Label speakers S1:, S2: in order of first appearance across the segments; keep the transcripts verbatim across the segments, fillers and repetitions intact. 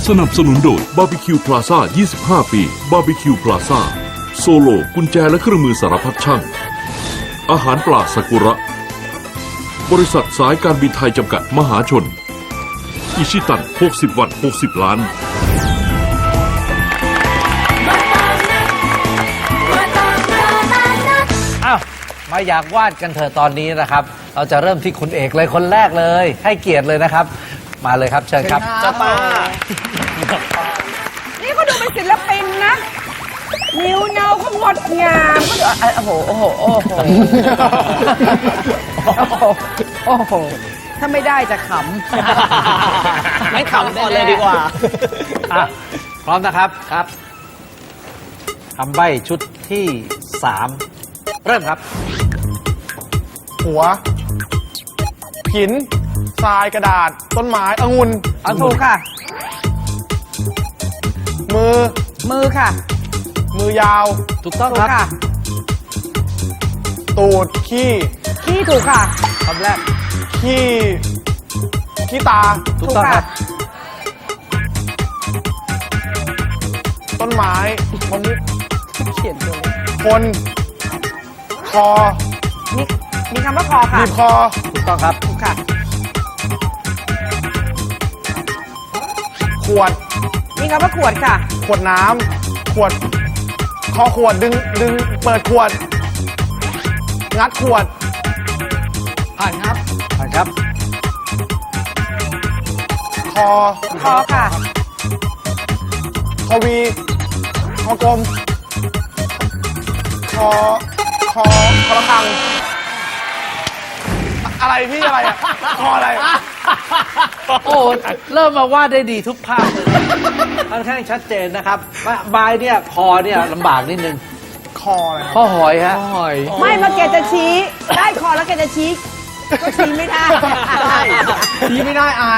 S1: สนับสนุนโดยบาร์บีคิวพลาซ่ายี่สิบห้าปีบาร์บีคิวพลาซ่าโซโลกุญแจและเครื่องมือสารพัดช่างอาหารปลาซากุระบริษัทสายการบินไทยจำกัดมหาชนอิชิตันหกสิบวัตต์หกสิบล้าน
S2: อ้าวมาอยากวาดกันเถอะตอนนี้นะครับเราจะเริ่มที่คุณเอกเลยคนแรกเลยให้เกียรติเลยนะครับมาเลยครับเชิญครับจ้าป้า
S3: นี่เขาดูเป็นศิลปินนะนิ้วเนาเขางดงามเขาดูโอ้โหโอ้โหโอ้โหโอ้โหโอ้โหถ้าไม่ได้จะขำ
S4: ไม่ขำก่อนเลยดีกว่า
S2: อ่ะพร้อมนะครับครับคำใบ้ชุดที่สามเริ่มครับ
S4: หัว หิน ทราย กระดาษ ต้นไม้ องุ่น
S3: เอาถูกค่ะ
S4: มือ
S3: มือค่ะ
S4: มือยาว
S2: ถูกต้อง
S3: ถูก
S2: ครับ
S3: ค่ะ
S4: ตูด ขี้
S3: ขี้ถูกค่ะ
S2: คำแรก
S4: ขี้ ขี้ตา
S2: ถูกต้องครับ
S4: ต้นไม้มะม่วง
S3: เขียนตัวเลย
S4: คน คอ
S3: มีมีคำว่าคอค่ะ
S4: บีบคอ
S2: ถูกต้องครับ
S3: ถูกค่ะ
S4: ขวด
S3: มีคำว่าขวดค่ะ
S4: ขวดน้ำ ขวด คอขวด ดึง ดึง เปิดขวด งัดขวด ผ่านครับ
S2: ผ่านครับ
S4: คอ
S3: คอค่ะ
S4: คอวี คอกลม คอ คอ คอระฆัง อะไรพี่อะไรอ่ะ คออะไร
S2: โอ้เริ่มมาวาดได้ดีทุกภาพเลยค่อนข้างชัดเจนนะครับบายเนี่ยคอเนี่ยลำบากนิดนึง
S4: คออะไร
S2: ข้อหอยฮะ
S4: หอย
S3: ไม่มาแกจะชี้ ได้คอแล้วแกจะชี้ ก็ชี้ไม่ได้
S4: ชี้ไม่ได้อาย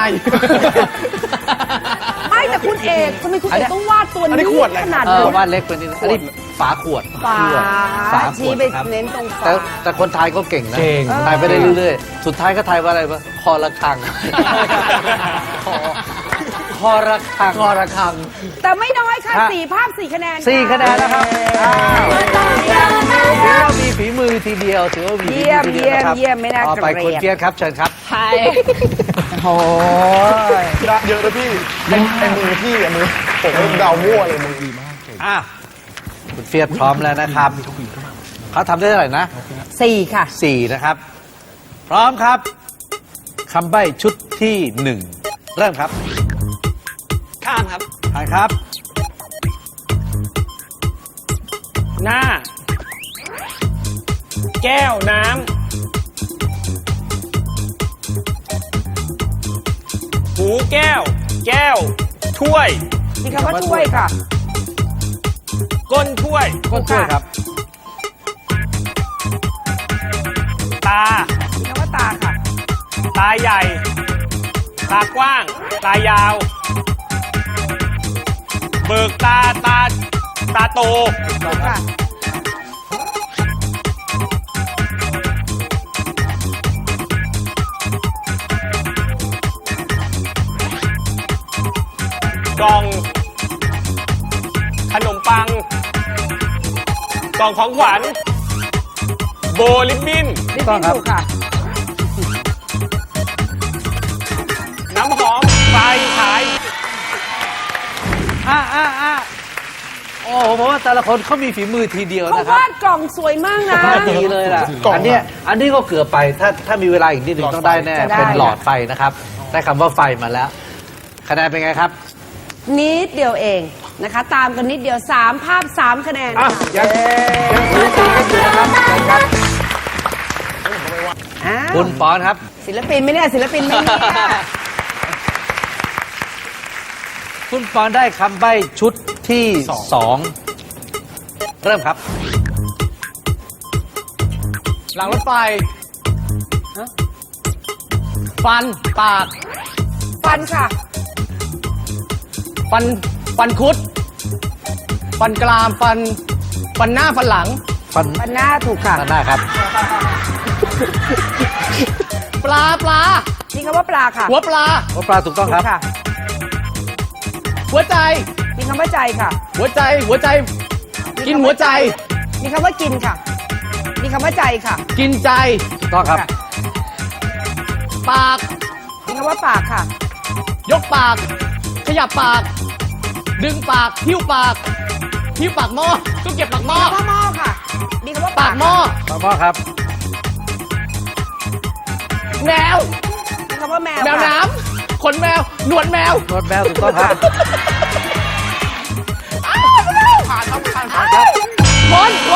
S3: ไม่แต่คุณเอกทำไมคุณเอกต้องวาดตัว
S4: อันนี้
S3: นี้
S4: ขวดอะไร
S3: ขนาด
S2: เอ
S3: นั้
S2: อน วาดเล็กไปนิดนึงอันนี้ฝาขวด
S3: ฝา
S2: ฝาข
S3: ชี้
S2: วด
S3: ไป
S2: ครับ
S3: เน้นตรงฝา
S2: แต่แต่คนไทยก็เก่งนะ
S4: เก่ง
S2: ทายไปได้เรื่อยๆ สุดท้ายก็ทายว่าอะไรวะคอระฆังคอคอระฆังคอระฆัง
S3: แต่ไม่น้อยค่ะ
S2: ฮะ
S3: สี่ภาพสี่คะแนน
S2: สี่คะแนนแล้วครับอ้าวถือว่ามีฝีมือทีเดียวถือว่ามีฝี
S3: เยี่ยม
S2: มือทีเดี
S3: เยี่ย
S2: ว
S3: ม
S2: นะครับ
S3: เยี่ยมไม่น่า
S2: ต่อ
S3: เก
S2: ไป
S3: ลี
S2: คุณ
S3: ยด
S2: เกียรติครับเชิญครับ
S3: ใช่โอ้ย
S4: เยอะนะพี่ไอ้ไอ้มือพี่อะมือผมเดามั่วเลยมือดีมาก
S2: อ่ะคุณเฟียสพร้อมแล้วนะครับเขาทำได้เท่าไหร่นะ
S3: สี่ค่ะ
S2: สี่นะครับ พร้อมครับคำใบ้ชุดที่หนึ่งเริ่มครับ
S4: ข้ามครับ
S2: ผ่านครับ
S4: หน้า แก้วน้ำ หูแก้ว แก้ว ถ้วย
S3: มีคำว่าถ้วยค่ะ
S4: ก้นถ้วย
S2: ก้นช่วยครับ
S4: ตา
S3: มีคำว่าตาค่ะ
S4: ตาใหญ่ ตากว้าง ตายาว เบิกตา ตา ตาโต
S3: ถูกค่ะ
S4: กล่อง ขนมปัง กล่องของขวัญ โบลิบบิน
S3: ลิป
S2: ต้อ
S3: ปิ้
S2: ง
S3: น
S2: ครับ
S3: ถูกค่ะ
S4: น้ำหอม ไฟฉาย
S2: อ่ะอ่ะอ่ะโอ้โหผมว่าแต่ละคนเขามีฝีมือทีเดียว
S3: เขา
S2: นะครับ
S3: วาดกล่องสวยมากนะ
S2: ดีเลยล่ะ
S4: กล่อง
S2: อันเนี้ยอันนี้ก็เกือบไปถ้าถ้ามีเวลาอีกนิดหนึ่งต้องได้แน่
S3: จะได้
S2: เป็นหลอดไฟนะครับ ได้คำว่าไฟมาแล้ว คะแนนเป็นไงครับ
S3: นิดเดียวเองนะคะ ตามกันนิดเดียวสามภาพสามคะแนน
S2: อ่ะ
S3: ค่ะ
S2: ยังยังสูสีกันอยู่นะครับเชิญครับ
S3: อ้าว
S2: คุณปอนครับ
S3: ศิลปินไหมเนี่ยศิลปินไหมเนี่ย
S2: คุณปอนได้คำใบ้ชุดที่สองเริ่มครับ
S4: หลังรถไฟ ฟัน ปาก
S3: ฟันค่ะ
S4: ฟัน ฟันคุด ฟันกราม ฟัน ฟันหน้า ฟันหลัง
S2: ฟัน
S3: ฟันหน้าถูกค่ะ
S2: ด้านหน้าครับ
S4: ปลา ปลา
S3: มีคำว่าปลาค่ะ
S4: หัวปลา
S2: หัวปลาถูกต้องครับ
S3: ค่ะ
S4: หัวใจ
S3: มีคำว่าใจค่ะ
S4: หัวใจ หัวใจ กินหัวใจ
S3: มีคำว่ากินค่ะ มีคำว่าใจค่ะ
S4: กินใจ
S2: ถูกต้องครับ
S4: ปาก
S3: มีคำว่าปากค่ะ
S4: ยกปาก ขยับปาก ดึงปากหิ้วปากหิ้วปากหม้อตู้เก็บปากหม้อ
S3: มีคำว่าหม้อค่ะ มีคำว่า
S4: ปากหม้อ
S2: ต่อมาครับ
S4: แมว
S3: มีคำว่าแมว
S4: แมว
S3: ค่ะ
S4: น้ำขนแมว หนวดแมว
S2: นวดแมวถูกต้องครับ
S4: ผ่านครับผ่านครับคนคน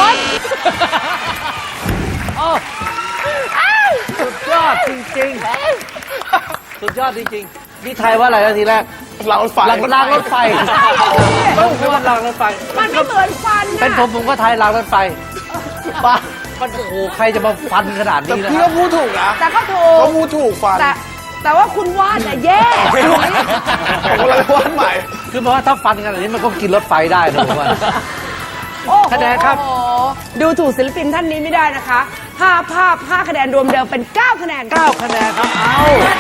S2: โอ้สุดยอดจริงๆ สุดยอดจริงๆ นี่ไทยว่าอะไรนะทีแรก
S4: เราไฟ
S2: รางรางรถไฟต้องคือว่ารางรถไฟ
S3: มันไม่เหมือนฟันนะ
S2: เป็นผมผมก็ไทยรางรถไฟบ้ามันโอ้โหใครจะมาฟันขนาด
S4: แต่
S2: นี้นะ
S4: พี่
S2: ครั
S4: ก็
S2: บ
S4: พูดถูกนะ
S3: แต่ก็ถู
S4: ก็
S3: ก
S4: พูดถูกฟัน
S3: แต่แต่ว่าคุณวาดน่ะแย่
S4: ผมก็เลยวาดใหม่
S2: คือเพราะว่าถ้าฟันขนาดนี้มันก็กินรถไฟได้นะผมว่า
S3: โอ้โห
S2: คะแนนครับ
S3: โอ้โหดูถูกศิลปินท่านนี้ไม่ได้นะคะห้าภาพห้าคะแนนรวมเดิมเป็นเก้าคะแนนค่ะ
S2: เก้าคะแนนครับ เอา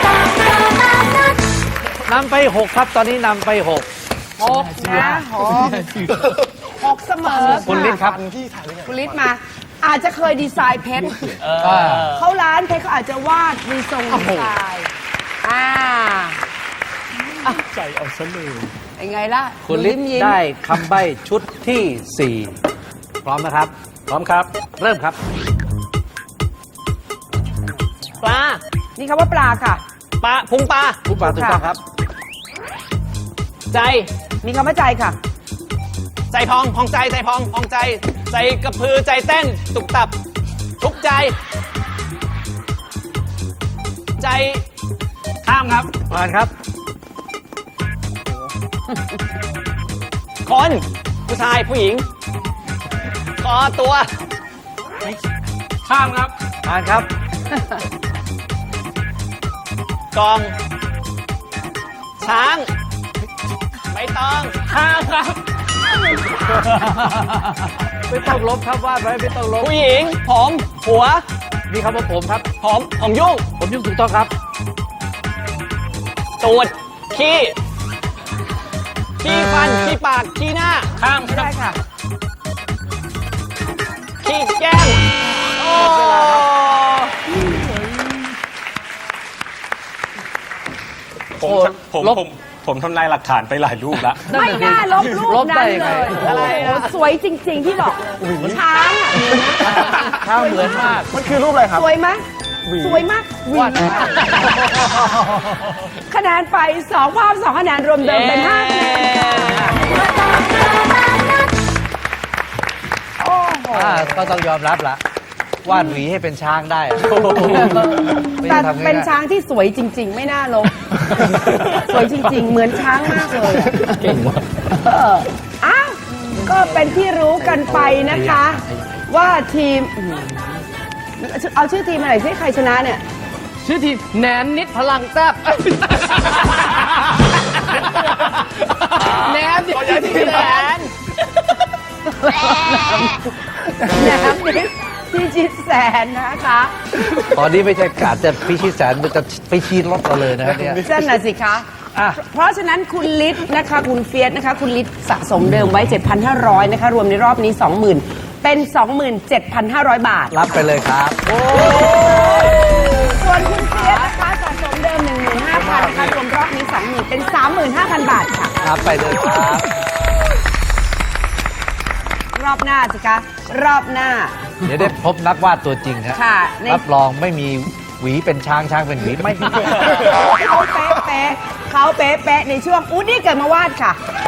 S2: นำไปหกครับ ตอนนี้นำไปหก
S3: หกนะหกหกเสมอ
S2: คุณฤทธิ์ครับ
S3: คุณฤทธิ์มา อาจจะเคยดีไซน์เพชร
S2: อ่า
S3: เขาร้านเพชรเขาอาจจะวาดมีทรงดีไซน์อ่าใจเอาซะเลยยังไงล่ะ
S2: คุณฤทธิ์
S3: ยิ้มๆ
S2: ได้คำใบ้ชุดที่สี่พร้อมนะครับ พร้อมครับ เริ่มครับ
S4: ปลา
S3: นี่คำว่าปลาค่ะ
S4: ปลา พุงปลา
S2: ผู้ปราถูกต้องครับ
S4: ใจ
S3: มีคำว่าใจค่ะ
S4: ใจพองพองใจ ใจพองพองใจ ใจกระพือ ใจเต้น ตุกตับ ทุกใจ ใจ ข้ามครับ
S2: ผ่านครับ
S4: คน ผู้ชาย ผู้หญิง คอตัว ข้ามครับ
S2: ผ่านครับ
S4: กอง ช้าง ใบตอง ข้ามครับ
S2: ไม่ต้องลบครับวาดไว้ไม่ต้องลบ
S4: ผู้หญิง ผม หัว
S2: มีคำว่าผมครับ
S4: ผม ผมยุ่ง
S2: ผมยุ่งถูกต้องครับ
S4: ตูด ขี้ ขี้ฟัน ขี้ปาก ขี้หน้า ข้าม
S3: ไม่ได้ค่ะ
S4: ขี้แก้มโอ้
S5: ผมผม
S2: ลบ
S5: ผมผมทำลายหลักฐานไปหลายรูปแล้ว
S3: ไม่น่าลบรูป
S2: ลบได้
S3: นั้น
S2: ยัง
S3: เล
S2: ไง
S3: ยอะไรโอ้สวยจริง ๆ ที่บอกช้างอ่ะ
S2: ข้าวเหมือนมาก
S4: มันคือรูปอะไรครับ
S3: สวยไหมสวยมากหวี
S2: วาดมาก
S3: คะแนนไปสองภาพสองคะแนนรวมเดิมเป็นห้าคะแนนค่ะโอ้โห
S2: อ่าก็ต้องยอมรับละวาดหวีให้เป็นช้างได้อะไม่
S3: แต่
S2: ได้ทำง่ายๆ
S3: เป็นช้างที่สวยจริง ๆ ไม่น่าลบ สวยจริง ๆ เหมือนช้างมากเลยเก่งมากอ้าวก็เป็นที่รู้กันไปนะคะ ว่าทีมอืมเอาชื่อทีมอะไรสิใครชนะเนี่ย
S4: ชื่อทีมแหนนนิดพลังแซ่บแหนนนิดแหนน
S3: น้ำนิดพี่ชิดแสนนะคะ
S2: ตอนนี้ไม่ใช่กาดจะพิชิตแสนมันจะไปชีดรถเราเลยนะครับเนี่ย
S3: นั่นน่ะสิคะ
S2: อ่ะ
S3: เพราะฉะนั้นคุณลิศนะคะ คุณเฟียสนะคะ คุณลิศสะสมเดิมไว้ เจ็ดพันห้าร้อย นะคะ รวมในรอบนี้ สองหมื่น เป็น สองหมื่นเจ็ดพันห้าร้อย บาท
S2: รับไปเลยครับ
S3: ส่วนคุณเฟียสนะคะสะสมเดิม หนึ่งหมื่นห้าพัน นะคะ รวมรอบนี้ สองหมื่น เป็น สามหมื่นห้าพัน บาทค่ะ
S2: รับไปเลยครับ
S3: รอบหน้าสิคะ รอบหน้า
S2: เดี๋ยวได้พบนักวาดตัวจริงครับ
S3: ค่ะใน
S2: รับรองไม่มีหวีเป็นช้างช้างเป็นหวีไม่มี
S3: เขาเป๊ะๆเขาเป๊ะๆในช่วงอูดดี้เกิดมาวาดค่ะ